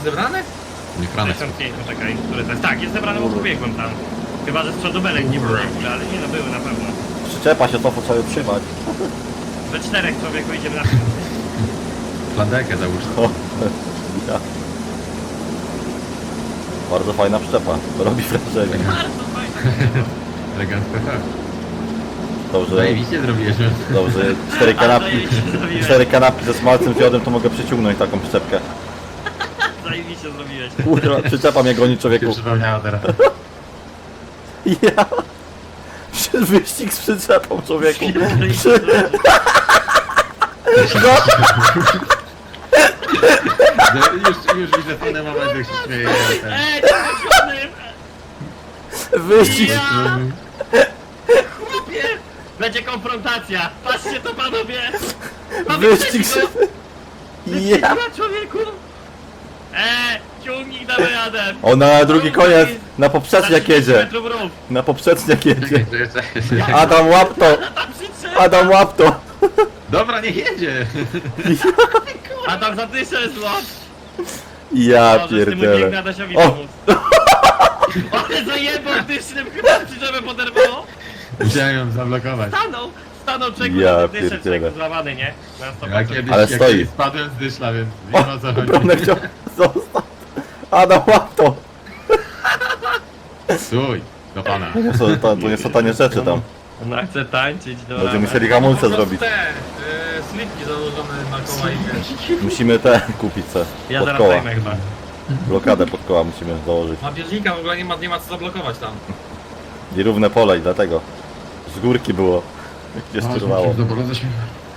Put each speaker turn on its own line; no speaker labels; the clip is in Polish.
zebrane?
Nie kranek.
65, poczekaj, które to jest? Tak, jest zebrane, bo pobiegłem tam. Chyba, że z przodu belek nie było w ogóle, ale nie no, były na pewno.
Przyczepa się to sobie trzymać.
We czterech człowieku idziemy na tym.
Flandekę załóż.
O, ja. Bardzo fajna przyczepa. Robi wrażenie.
Bardzo fajnie.
Elegancko tak.
Dobrze,
Zajebiście zrobiłeś.
dobrze. Cztery kanapki ze smalcem fiodem to mogę przyciągnąć taką przyczepkę.
Zajebiście zrobiłeś.
Kurwa, przyczepa mnie goni
Się
człowieku.
przypomniało teraz.
Ja. Wyścig z przyczepą człowieku.
Już widzę ten moment, jak się śmieje.
Ej, to
Wyścig.
Ja! Chłopie! Będzie konfrontacja! Patrzcie to panowie!
Wyścig z... Ja.
Człowieku! Ciągnik damy radę!
Ona na drugi koniec. Na poprzeczniak jedzie. Na poprzeczniak jedzie. Adam łap to. Adam łap to.
Dobra, niech jedzie.
A tam za tysiąc złot!
Ja pierdolę.
Adasiowi
O.
pomóc. Ale zajebał dysznym, chyba przyczepę poderwało!
Musiałem ją zablokować.
Stanął czeku,
Ja
na dyszek
pierdzielę.
czeku złamany, nie? Na 100%.
Ja kiedyś,
Ale
jak
stoi.
kiedyś spadłem z dyszla, więc nie ma o co chodzi.
Bronek chciał... Zostaw. Adam łap to.
Stój, do pana.
To nie są tanie rzeczy tam.
Ona chce tańczyć, dobra.
Będziemy musieli hamulce
Po prostu
zrobić.
te slipki założone na koła i wiesz.
Musimy te kupić se.
Ja
Pod
zaraz
koła.
zajmę chyba.
Blokadę pod koła musimy założyć.
Ma bieżnika w ogóle nie ma co zablokować tam.
I równe pole i dlatego. Z górki było. Gdzie styrwało.
Do polu zaśmiewa.